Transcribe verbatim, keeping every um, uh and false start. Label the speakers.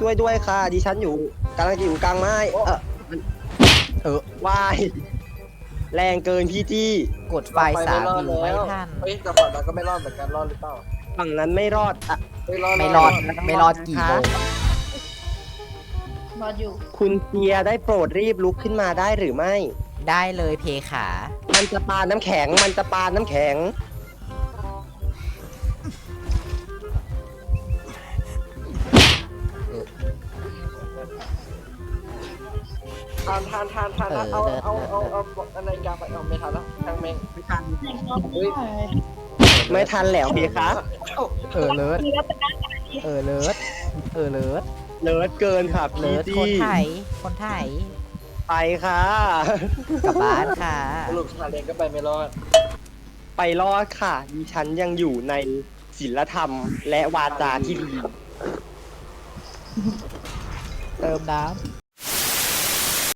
Speaker 1: ช่วยด้วยค่ะ ดิฉันอยู่กำลังจะอยู่กลางไม้เออ
Speaker 2: เออ
Speaker 1: วายแรงเกินพี่จี้
Speaker 2: กดไฟสามอยู่ไม่ทัน
Speaker 3: เฮ้ยแต่ฝั่งนั้นก็ไม่รอดเหมือนกันรอดหรือเปล่า
Speaker 1: ฝั่งนั้นไม่รอดอ่ะ
Speaker 3: เฮ้ยรอด
Speaker 2: ไม่รอดไม่รอดกี่โมง
Speaker 4: รออยู่
Speaker 1: คุณเทียได้โปรดรีบลุกขึ้นมาได้หรือไม่
Speaker 2: ได้เลยเพขา
Speaker 1: มันจะปาน้ำแข็ง มันจะปาน้ำแข็ง
Speaker 3: ทานทานทานทานทานเอาเอาเอาเอาอะไรกาไปเอาไม่ทันแล้วทางแมง
Speaker 1: ไม่ทัน
Speaker 4: แข่งรอบหน่อย
Speaker 1: ไม่ทันแล้วพี่คะ
Speaker 2: เออเลิศ
Speaker 4: ทีแล้วเป็นหน้าตาดี
Speaker 2: เออเลิศเออเลิศ
Speaker 1: เลิศเกินค่ะ
Speaker 2: เลิ
Speaker 1: พี่
Speaker 2: ศ
Speaker 1: จี้
Speaker 2: คนไทยคนไทย
Speaker 1: ไปค่ะ
Speaker 2: กลับบ้านค่ะ
Speaker 3: สรุปชาเลนก็ไปไม่รอด
Speaker 1: ไปรอดค่ะ ดิฉันยังอยู่ในศีลธรรมและวาจาที่ดี
Speaker 2: เติมน้ำ